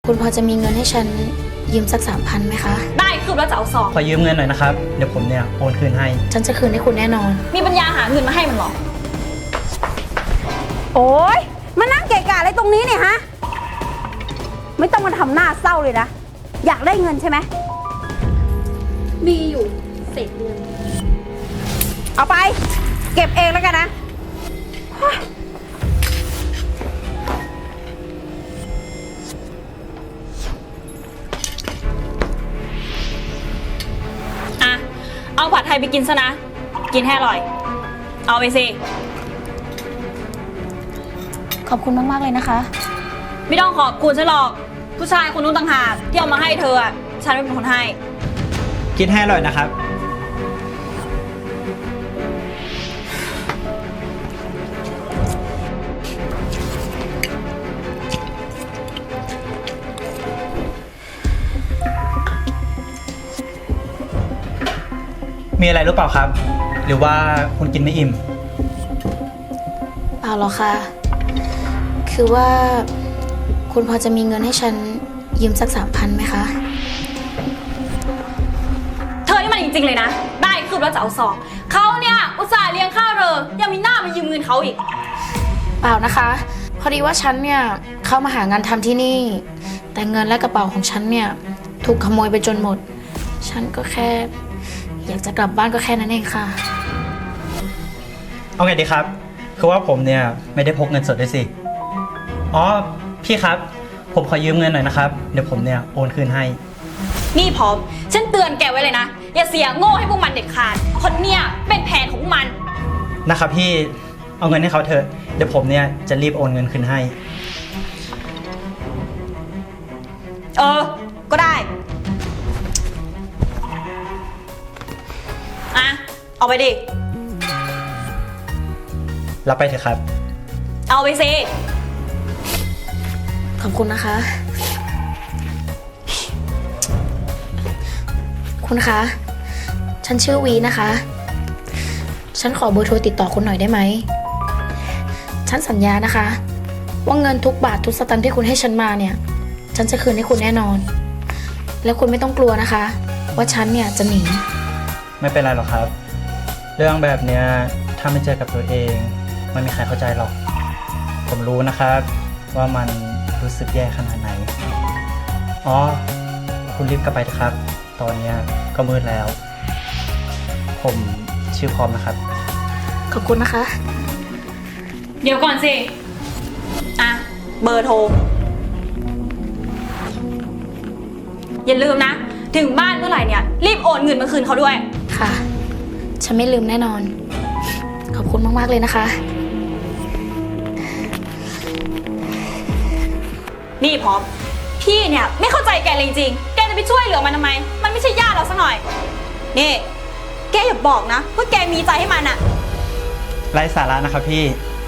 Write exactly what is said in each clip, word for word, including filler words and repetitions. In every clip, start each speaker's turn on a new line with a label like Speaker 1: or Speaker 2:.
Speaker 1: คุณพอจะมีเงินให้ฉันยืมสักสามพันไหมคะ
Speaker 2: ได้คือว่าจะเอาซอง
Speaker 3: ขอยืมเงินหน่อยนะครับเดี๋ยวผมเนี่ยโอนคืนให้
Speaker 1: ฉันจะคืนให้คุณแน่นอน
Speaker 2: มีปัญญาหาเงินมาให้มันหรอ
Speaker 4: โอ๊ยมานั่งเกะกะอะไรตรงนี้เนี่ยฮะไม่ต้องมาทำหน้าเศร้าเลยนะอยากได้เงินใช่ไหม
Speaker 2: มีอยู่เศษเงิน
Speaker 4: เอาไปเก็บเองแล้วกันนะ
Speaker 2: อะเอาผัดไทยไปกินซะนะกินให้อร่อยเอาไปสิ
Speaker 1: ขอบคุณมากๆเลยนะคะ
Speaker 2: ไม่ต้องขอบคุณฉันหรอกผู้ชายคนนู้นต่างหากที่เอามาให้เธออะฉันไม่เป็นคนให้
Speaker 3: กินให้อร่อยนะครับมีอะไรหรือเปล่าครับหรือว่าคุณกินไม่อิ่ม
Speaker 1: เปล่าหรอกค่ะคือว่าคุณพอจะมีเงินให้ฉันยืมสักสามพันไหมคะ
Speaker 2: เธอนี่มันจริงๆเลยนะได้คือว่าจะเอาซองเขาเนี่ยอุตส่าห์เลี้ยงข้าวเธอยังมีหน้ามายืมเงินเขาอีก
Speaker 1: เปล่านะคะพอดีว่าฉันเนี่ยเข้ามาหางานทำที่นี่แต่เงินและกระเป๋าของฉันเนี่ยถูกขโมยไปจนหมดฉันก็แค่อยากจะกลับบ้านก็แค่นั้นเองค่ะ
Speaker 3: เอาไงดีครับคือว่าผมเนี่ยไม่ได้พกเงินสดด้วยสิอ๋อพี่ครับผมขอยืมเงินหน่อยนะครับเดี๋ยวผมเนี่ยโอนคืนให้
Speaker 2: นี่พร้อมฉันเตือนแกไว้เลยนะอย่าเสียโง่ให้พวกมันเด็ดขาดคนเนี่ยเป็นแผนของมัน
Speaker 3: นะครับพี่เอาเงินให้เขาเถอะเดี๋ยวผมเนี่ยจะรีบโอนเงินคืนให้
Speaker 2: เออก็ได้อะเอาไปดิ
Speaker 3: รับไปเถอะครับ
Speaker 2: เอาไปสิ
Speaker 1: ขอบคุณนะคะคุณคะฉันชื่อวีนะคะฉันขอเบอร์โทรติดต่อคุณหน่อยได้ไหมฉันสัญญานะคะว่าเงินทุกบาททุกสตางค์ที่คุณให้ฉันมาเนี่ยฉันจะคืนให้คุณแน่นอนแล้วคุณไม่ต้องกลัวนะคะว่าฉันเนี่ยจะหนี
Speaker 3: ไม่เป็นไรหรอกครับเรื่องแบบเนี้ยถ้าไม่เจอกับตัวเองไม่มีใครเข้าใจหรอกผมรู้นะครับว่ามันรู้สึกแย่ขนาดไหนอ๋อคุณรีบกลับไปเถอะครับตอนนี้ก็มืดแล้วผมชื่อพร้อมนะครับ
Speaker 1: ขอบคุณนะคะ
Speaker 2: เดี๋ยวก่อนสิอ่ะเบอร์โทรอย่าลืมนะถึงบ้านเมื่อไหร่เนี่ยรีบโอนเงินมาคืนเขาด้วย
Speaker 1: ค่ะฉันไม่ลืมแน่นอนขอบคุณมากๆเลยนะคะ
Speaker 2: นี่พร้อมพี่เนี่ยไม่เข้าใจแกเลยจริงแกจะไปช่วยเหลือมันทำไมมันไม่ใช่ญาติเราสักหน่อยนี่แกอย่าบอกนะว่าแกมีใจให้มันอะ
Speaker 3: ไร้สาระนะครับพี่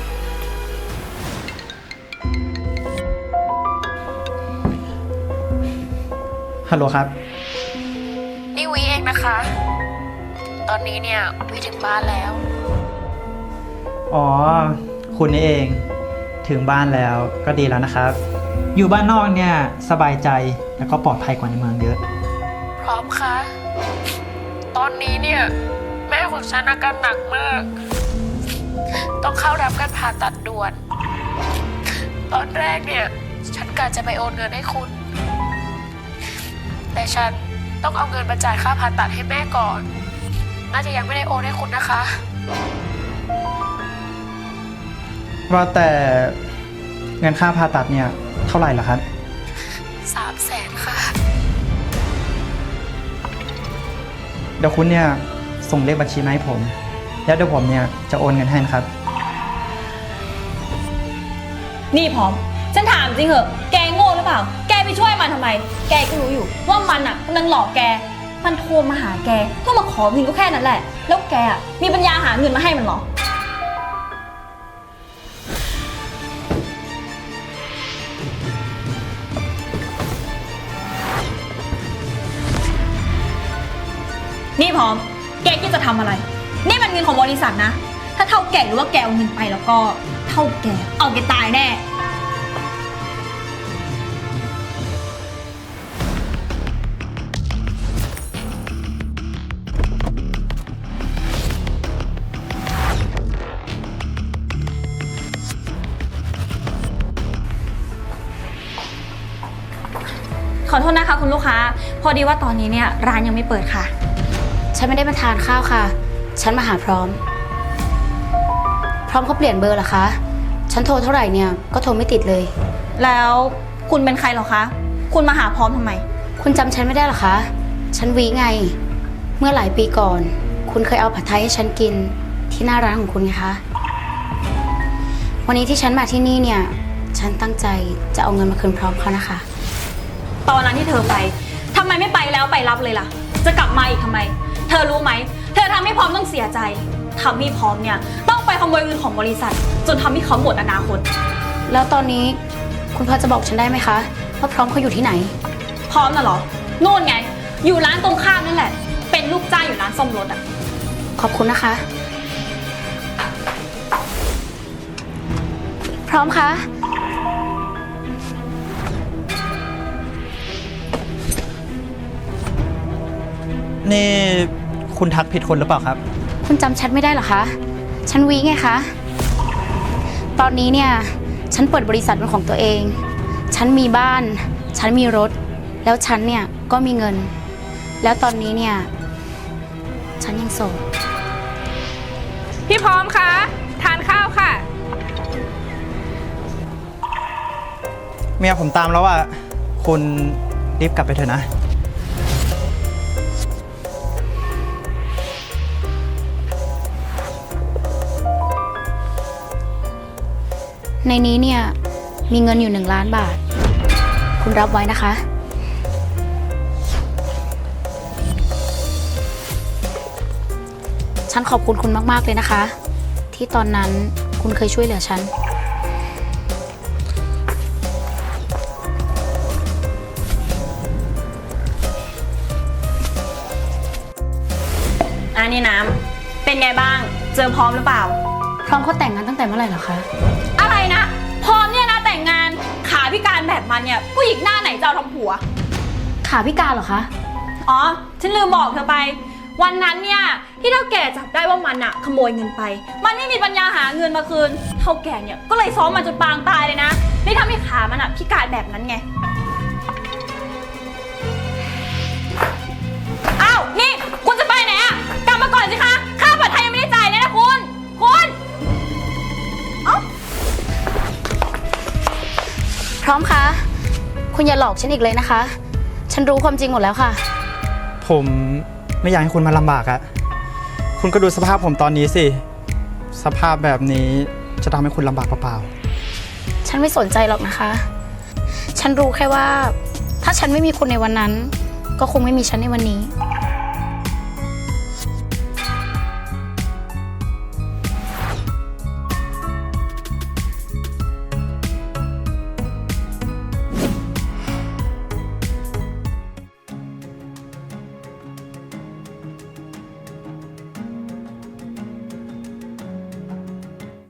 Speaker 3: ฮัลโหลครับ
Speaker 1: นี่วีเองนะคะตอนนี้เนี่ยวีถึงบ้านแล้ว
Speaker 3: อ๋อคุณนี่เองถึงบ้านแล้วก็ดีแล้วนะครับอยู่บ้านนอกเนี่ยสบายใจแล้วก็ปลอดภัยกว่าในเมืองเยอะ
Speaker 1: พร้อมคะตอนนี้เนี่ยแม่ของฉันอาการหนักมากต้องเข้ารับการผ่าตัดด่วนตอนแรกเนี่ยฉันกะจะไปโอนเงินให้คุณแต่ฉันต้องเอาเงินมาจ่ายค่าผ่าตัดให้แม่ก่อนน่าจะยังไม่ได้โอนให้คุณนะคะ
Speaker 3: ว่าแต่เงินค่าผ่าตัดเนี่ยเท่าไหร่ล่ะครับ
Speaker 1: สามแสนค่ะ
Speaker 3: เดี๋ยวคุณเนี่ยส่งเลขบัญชีมาให้ผมแล้วเดี๋ยวผมเนี่ยจะโอนเงินให้นะครับ
Speaker 2: นี่พร้อมฉันถามจริงเหอะแกโง่หรือเปล่าแกไปช่วยมันทำไมแกก็รู้อยู่ว่ามันอ่ะกำลังหลอกแกมันโทรมาหาแกเพื่อมาขอเงินก็แค่นั้นแหละแล้วแกอ่ะมีปัญญาหาเงินมาให้มันเหรอนี่พร้อมแกคิดจะทำอะไรนี่มันเงินของบริษัทนะถ้าเท่าแกหรือว่าแกเอาเงินไปแล้วก็เท่าแกเอาแกตายแน่ขอโทษนะคะคุณลูกค้า พอดีว่าตอนนี้เนี่ยร้านยังไม่เปิดค่ะ
Speaker 1: ฉันไม่ได้มาทานข้าวค่ะ ฉันมาหาพร้อม พร้อมเขาเปลี่ยนเบอร์เหรอคะ ฉันโทรเท่าไหร่เนี่ยก็โทรไม่ติดเลย
Speaker 2: แล้วคุณเป็นใครเหรอคะ คุณมาหาพร้อมทำไม
Speaker 1: คุณจำฉันไม่ได้เหรอคะ ฉันวีไง เมื่อหลายปีก่อน คุณเคยเอาผัดไทยให้ฉันกินที่หน้าร้านของคุณไงคะ วันนี้ที่ฉันมาที่นี่เนี่ย ฉันตั้งใจจะเอาเงินมาคืนพร้อมเขานะคะ
Speaker 2: ตอนนั้นที่เธอไปทำไมไม่ไปแล้วไปรับเลยล่ะ จะกลับมาอีกทำไม เธอรู้ไหม เธอทำให้พร้อมต้องเสียใจทำให้พร้อมเนี่ยต้องไปขโมยเงินของบริษัท จนทำให้เขาหมดอนาคต
Speaker 1: แล้วตอนนี้คุณพอจะบอกฉันได้ไหมคะว่าพร้อมเขาอยู่ที่ไหน
Speaker 2: พร้อมน่ะเหรอนู่นไง อยู่ร้านตรงข้ามนั่นแหละ เป็นลูกจ้างอยู่ร้านซ่อมรถอะ
Speaker 1: ขอบคุณนะคะ พร้อมคะ
Speaker 3: นี่คุณทักผิดคนหรือเปล่าครับ
Speaker 1: คุณจำฉันไม่ได้เหรอคะ ฉันวีไงคะ ตอนนี้เนี่ย ฉันเปิดบริษัทเป็นของตัวเอง ฉันมีบ้าน ฉันมีรถ แล้วฉันเนี่ยก็มีเงิน แล้วตอนนี้เนี่ย ฉันยังโสด
Speaker 5: พี่พร้อมคะทานข้าวค่ะ
Speaker 3: เมียผมตามแล้วอ่ะ คุณรีบกลับไปเถอะนะ
Speaker 1: ในนี้เนี่ย มีเงินอยู่หนึ่งล้านบาท คุณรับไว้นะคะ ฉันขอบคุณคุณมากๆเลยนะคะ ที่ตอนนั้นคุณเคยช่วยเหลือฉัน
Speaker 2: อันนี้น้ำเป็นไงบ้าง เจอพร้อมหรือเปล่า
Speaker 1: พร้อมเขาแต่งงานตั้งแต่เมื่อไหร่เหรอคะ
Speaker 2: อะไรนะ พร้อมเนี่ยนะแต่งงานขาพิการแบบมันเนี่ยผู้หญิงหน้าไหนจะเอาทำผัว
Speaker 1: ขาพิการเหรอคะ
Speaker 2: อ๋อ ฉันลืมบอกเธอไป วันนั้นเนี่ยที่เท่าแก่จับได้ว่ามันอะขโมยเงินไป มันไม่มีปัญญาหาเงินมาคืน เท่าแก่เนี่ยก็เลยซ้อมมันจนปางตายเลยนะนี่ทำให้ขามันอะพิการแบบนั้นไง อ้าว นี่คุณจะไปไหนอะกลับมาก่อนสิคะ ค่าผัดไทยยังไม่ได้จ่ายเลยนะคุณ คุณ เอ้า
Speaker 1: พร้อมคะ คุณอย่าหลอกฉันอีกเลยนะคะ ฉันรู้ความจริงหมดแล้วค่ะ
Speaker 3: ผมไม่อยากให้คุณมาลำบากอะคุณก็ดูสภาพผมตอนนี้สิ สภาพแบบนี้จะทำให้คุณลำบากเปล่า
Speaker 1: ฉันไม่สนใจหรอกนะคะ ฉันรู้แค่ว่า ถ้าฉันไม่มีคุณในวันนั้น ก็คงไม่มีฉันในวันนี้
Speaker 3: ๆ